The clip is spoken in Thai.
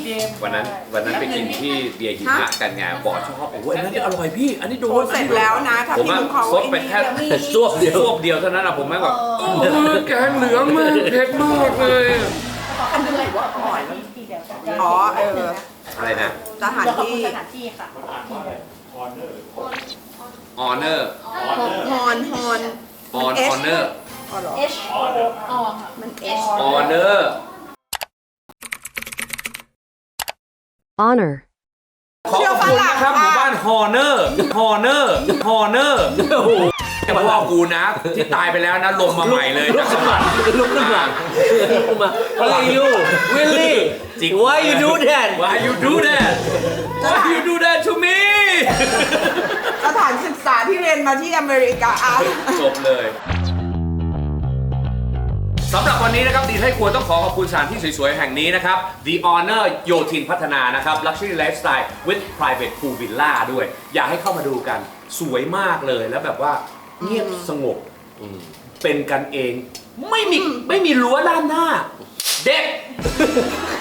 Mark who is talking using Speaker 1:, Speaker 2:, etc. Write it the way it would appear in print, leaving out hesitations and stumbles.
Speaker 1: วันนั้นไปกินที่เบียร์หิมะกันไงบอกชอบโอ้ยอันนั้นอร่อยพี่อันนี้โดน
Speaker 2: เสร็จแล้วนะถ้า
Speaker 1: ผม
Speaker 2: พี่
Speaker 1: อะ
Speaker 2: ลุงเขา
Speaker 1: ซดไปแค่ซวบเดียวเท่านั้นอะผมแม่งแบบโอ้ยแกงเหลืองมากเผ็ดมากเลย
Speaker 2: อันนี้ว่าอร่อยอ๋อ
Speaker 1: อะไรนะ
Speaker 2: สถานที่
Speaker 3: สถานที่ค่ะ
Speaker 1: ออเนอร์
Speaker 2: ฮอน
Speaker 1: ออเนอร์
Speaker 2: อ๋อเหรอ
Speaker 3: H O O ค่ะ
Speaker 2: มัน
Speaker 3: H
Speaker 1: ออเนอร์
Speaker 4: honor,
Speaker 1: ขอบคุณนะครับหมู่บ้านฮอเนอร์แต่พ่อกูนะที่ตายไปแล้วนะลงมาใหม่เลยนะข้างหลัง
Speaker 5: ลุกขึ้นมาHey you Willie
Speaker 1: จริง
Speaker 5: Why you do that
Speaker 1: Why you do that Why you do that to me
Speaker 2: สถานศึกษาที่เรียนมาที่อเมริกา
Speaker 1: จบเลยสำหรับวันนี้นะครับดีให้ครัวต้องขอขอบคุณสถานที่สวยๆแห่งนี้นะครับ The Honor โยธินพัฒนานะครับ Luxury Lifestyle with Private Pool Villa ด้วย อยากให้เข้ามาดูกันสวยมากเลยแล้วแบบว่าเงียบสงบเป็นกันเองไม่มีรั้วด้านหน้า เด็ก